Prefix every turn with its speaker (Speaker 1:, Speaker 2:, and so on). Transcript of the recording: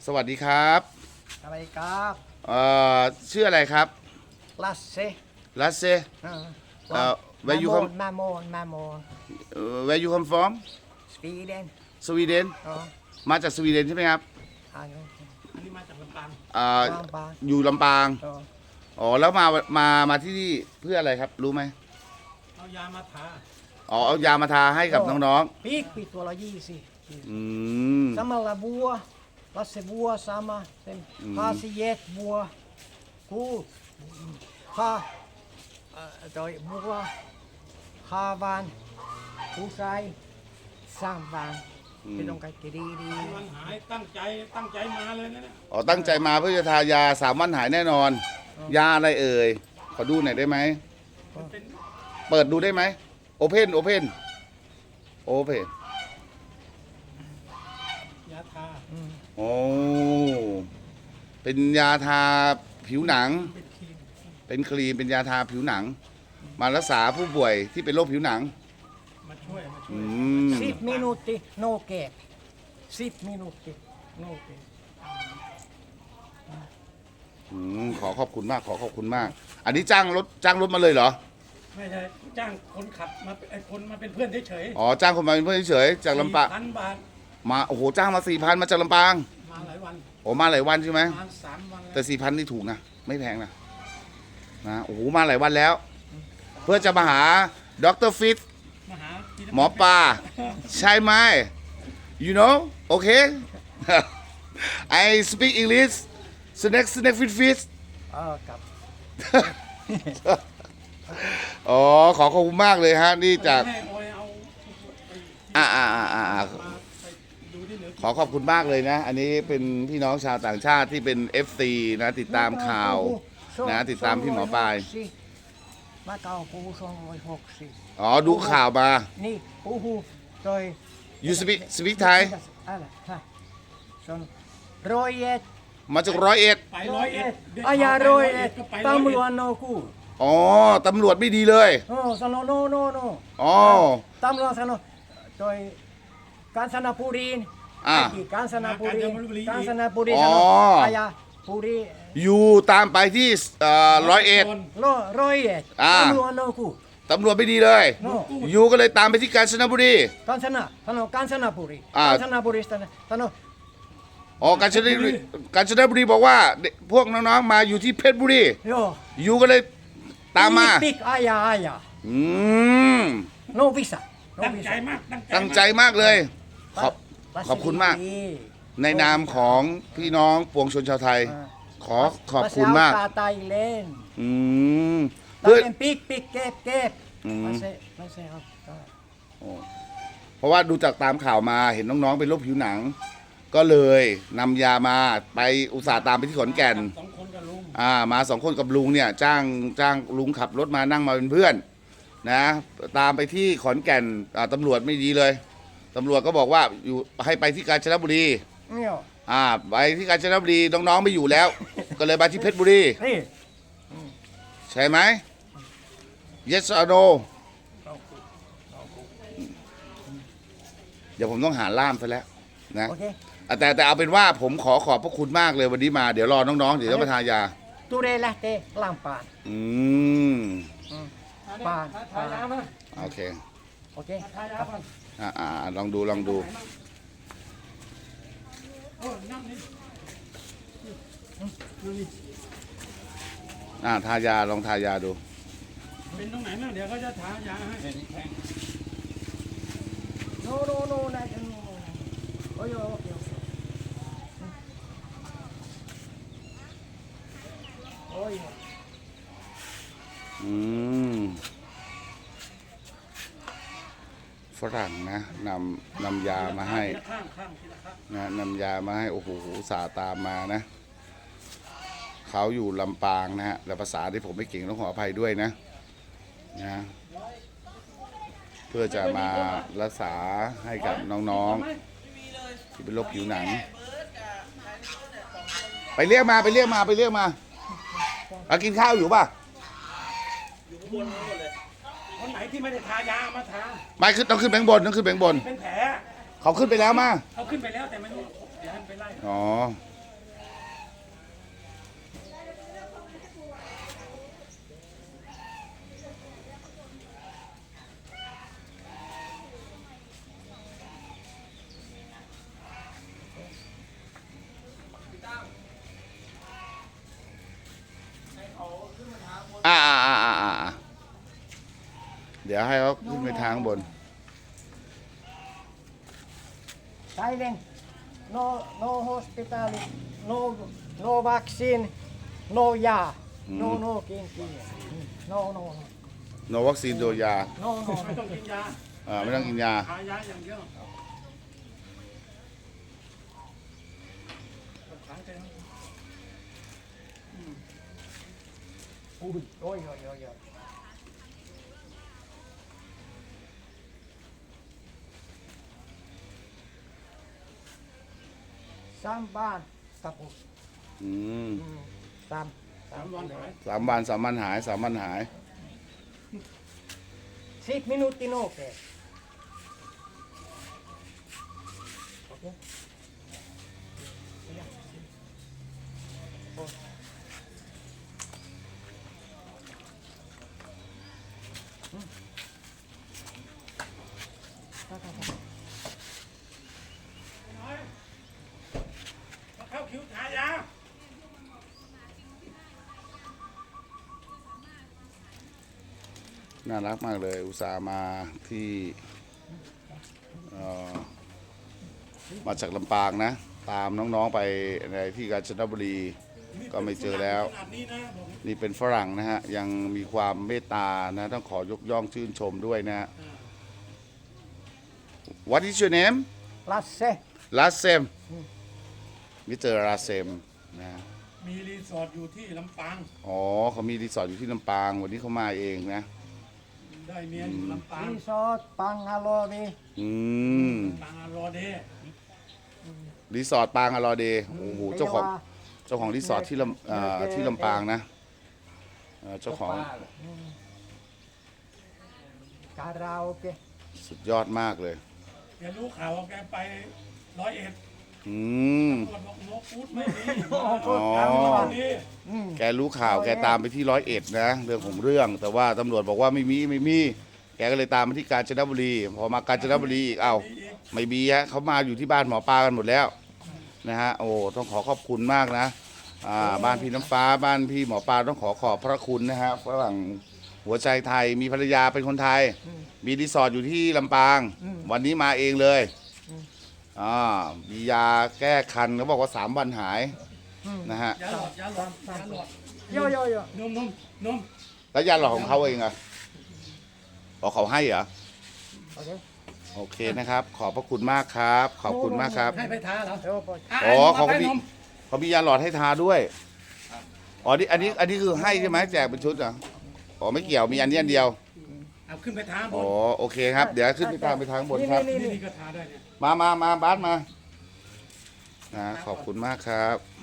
Speaker 1: สวัสดีครับ
Speaker 2: อะไรครับ
Speaker 1: เอ่ชื่ออะไรครับ
Speaker 2: ลัสเซ
Speaker 1: ลัสเซwhere you come
Speaker 2: มาโม
Speaker 1: where you come from
Speaker 2: สวีเดน
Speaker 1: สวีเดนมาจากสวีเดนใช่ไหมครับ
Speaker 2: อัน
Speaker 3: นี้มาจากลำปาง
Speaker 1: อยู่ลำปางอ๋อแล้วมาที่นี่เพื่ออะไรครับรู้ไหม
Speaker 3: เอายามาทา
Speaker 1: อ๋อเอายามาทาให้กับน้อง
Speaker 2: ปีตัวละ
Speaker 1: ๆ
Speaker 2: sama la bua lasse bua sama sen hasiet bua ku ha toi bua havan kusai samvan ไม่ต้องการดี
Speaker 3: มันหายตั้งใจมาเลยนะเนี่ย
Speaker 1: อ๋อตั้งใจมาเพื่อจะทายา3 วันหายแน่นอนยาอะไรเอ่ยขอดูหน่อยได้ไหมเปิดดูได้ไหมโอเพน
Speaker 3: ยาทา
Speaker 1: โอ้เป็นยาทาผิวหนังเป็นครีมเป็นยาทาผิวหนังมารักษาผู้ป่วยที่เป็นโรคผิวหนัง
Speaker 3: มาช่วย
Speaker 2: 10 minuti no che 10 minuti no che
Speaker 1: ขอขอบคุณมากอันนี้จ้างรถมาเลยเหรอ
Speaker 3: ไม่ใช่จ้างคนขับมาคนมาเป็นเพื่อนเฉย
Speaker 1: อ๋อจ้างคนมาเป็นเพื่อนเฉยจากลำปาง
Speaker 3: 4,000 บาท
Speaker 1: มาโอ้โหจ้างมา 4,000 มาจากลำปาง
Speaker 3: มาหลายวัน
Speaker 1: โอ้มาหลายวันใช่ไหม
Speaker 3: มา3 วัน
Speaker 1: แต่ 4,000 นี่ถูกนะไม่แพงนะโอ้โหมาหลายวันแล้วเพื่อจะมาหาดร.ฟิตหมอปลาใช่ไหม you know okay I speak English snack fish
Speaker 2: ครับ
Speaker 1: อ๋อขอบคุณมากเลยฮะนี่จากขอขอบคุณมากเลยนะอันนี้เป็นพี่น้องชาวต่างชาติที่เป็น FC นะติดตามข่าวนะติดตามพี่หมอปลาย
Speaker 2: มาเก่าปู260
Speaker 1: อ๋อดูข่าวมา
Speaker 2: นี่ปูโดย
Speaker 1: you speak Thai
Speaker 2: 101
Speaker 1: มาจาก101
Speaker 3: ไป101
Speaker 2: อายา101ตำรวจโนกู
Speaker 1: อ๋อตำรวจไม่ดีเลย
Speaker 2: สโนโน
Speaker 1: อ๋อ
Speaker 2: ตำรวจสโนโดยกาญจนบุรีกาญจนบุรีสโนอายาบุรี
Speaker 1: อยู่ตามไปที่101
Speaker 2: ตำรวจโนกู
Speaker 1: ตำรวจไม่ดีเลยอยู่ก็เลยตามไปที่กาญจนบุรี
Speaker 2: กาญจนบุรีสโน
Speaker 1: อ๋อกาญจนบุรีบอกว่าพวกน้องๆมาอยู่ที่เพชรบุรีอยู่ก็เลยตามมา
Speaker 2: ปิกอายาโนวิสา
Speaker 1: ตั้งใจมากเลยขอบคุณมากในนามของพี่น้องปวงชนชาวไทยขอบคุณมาก
Speaker 2: เพื่อปิกเก็บ
Speaker 1: เพราะว่าดูจากตามข่าวมาเห็นน้องๆเป็นโรคผิวหนังก็เลยนำยามาไปอุตส่าห์ตามไปที่ขอนแก่นมา2 คนกับลุงเนี่ยจ้างลุงขับรถมานั่งมาเป็นเพื่อนนะตามไปที่ขอนแก่นตำรวจไม่ดีเลยตำรวจก็บอกว่าอยู่ให้ไปที่กาญจนบุรีไปที่กาญจนบุรีน้องๆไม่อยู่แล้วก็เลยมาที่เพชรบุรีใช่ไหม yes or no เดี๋ยวผมต้องหาล่ามซะแล้วนะแต่เอาเป็นว่าผมขอบพระคุณมากเลยวันนี้มาเดี๋ยวรอน้องๆเดี๋ยวจะมาทานยา
Speaker 2: ตูเรละเตลามปานปาน
Speaker 1: โอเคลองดูทายาลองทายาดู
Speaker 3: เป็นตรงไหนบ้างเดี๋ยวเขาจะทายาให้
Speaker 2: โนนะโอ้ยโอเค
Speaker 1: ฝรั่งนะนำยามาให้นะนำยามาให้โอ้โหสาตามมานะเขาอยู่ลำปางนะฮะแต่ภาษาที่ผมไม่เก่งต้องขออภัยด้วยนะเพื่อจะมารักษาให้กับน้องๆที่เป็นโรคผิวหนังไปเรียกมากินข้าวอยู่ป่ะ
Speaker 3: อยู่บนเลยคนไหนที่ไม่ได้ทายามาทา
Speaker 1: ไม่ขึ้นต้องขึ้นแบงบน
Speaker 3: เป็นแผล
Speaker 1: เขาขึ้นไปแล้วมา
Speaker 3: เขาขึ้นไปแล้วแต่ไม่รู้เดี๋ยวให้ไปไล่
Speaker 1: อ๋อเดี๋ยวให้เขาขึ้นไปทางบน
Speaker 2: Silent. No hospital. No vaccine. No ya. No kinki. No.
Speaker 1: โนวัคซีนโดยยา
Speaker 2: No.
Speaker 3: ไม่ต้องกินยา
Speaker 1: ไม่ต้องกินยา
Speaker 3: ทายาอย่างเดียว
Speaker 2: Oi. Samban kaput.
Speaker 1: อืม
Speaker 2: Sam.
Speaker 3: 3 วันหาย
Speaker 1: 3 วันหาย
Speaker 2: 10 minuutin okay. Okay.
Speaker 3: มาเข้าคิวทายา
Speaker 1: น่ารักมากเลย อุตส่าห์มาที่มาจากลำปางนะ ตามน้องๆไปในที่กาญจนบุรี ก็ไม่เจอแล้ว
Speaker 3: ขนาดนี้นะผม
Speaker 1: นี่เป็นฝรั่งนะฮะ ยังมีความเมตตานะ ต้องขอยกย่องชื่นชมด้วยนะฮะ What is your name
Speaker 2: Lasse.
Speaker 1: Lasem มิสเตอร์ลาเซมนะ
Speaker 3: มีรีสอร์ทอยู่ที่ลำปาง
Speaker 1: อ๋อเขามีรีสอร์ทอยู่ที่ลำปาง วันนี้เขามาเองนะ
Speaker 3: ได้เมียอยู่ลำปาง
Speaker 2: Resort Pangalori.
Speaker 1: อืม
Speaker 3: ปางรอเดย์
Speaker 1: รีสอร์ทปางอลอเดย์โอ้โหเจ้าของรีสอร์ทที่ที่ลำปางนะเจ้าของ
Speaker 2: Karaoke.
Speaker 1: สุดยอดมากเลย
Speaker 3: แกรู้ข่าวว่าแกไป101
Speaker 1: อืม
Speaker 3: ตำรวจบอกนกพูดไม่ดี
Speaker 1: อ๋อ
Speaker 3: ดี
Speaker 1: แกรู้ข่าวแกตามไปที่101นะเรื่องของเรื่อง แต่ว่าตำรวจบอกว่าไม่มี แกก็เลยตามมาที่กาญจนบุรี พอมากาญจนบุรีอีกเอ้าไม่มีฮะเขามาอยู่ที่บ้านหมอปลากันหมดแล้วนะฮะโอ้ต้องขอขอบคุณมากนะบ้านพี่น้ำฟ้าบ้านพี่หมอปลาต้องขอบพระคุณนะฮะฝรั่งหัวใจไทยมีภรรยาเป็นคนไทย มีรีสอร์ทอยู่ที่ลำปาง วันนี้มาเองเลยมียาแก้คันเขาบอกว่า3 วันหายนะฮะ
Speaker 3: ยาหลอด
Speaker 2: Yo.
Speaker 3: นม
Speaker 1: แล้วยาหลอดของเขาเองอะอ๋อเขาให้เหรอ
Speaker 2: Okay.
Speaker 1: โอเคนะครับ ขอบพระคุณมากครับ ขอบคุณมากครับ
Speaker 3: ให้ไปทาเหรอ
Speaker 2: Yo, boy.
Speaker 1: อ๋อ
Speaker 3: เขา
Speaker 1: เขา
Speaker 3: ไป
Speaker 1: มี
Speaker 3: นม
Speaker 1: เขามียาหลอดให้ทาด้วยอ๋อนี่อันนี้คือให้ใช่ไหมแจกเป็นชุดเหรออ๋อไม่เกี่ยวมีอันนี้อันเดียว
Speaker 3: เอาขึ้นไปทาบ
Speaker 1: อ๋อน โอเคครับ เดี๋ยวขึ้นไปทางบนครับ
Speaker 2: นี่
Speaker 3: นี่ก็ทาได้เนี่ย
Speaker 1: มาบาสมานะขอบคุณมากครับ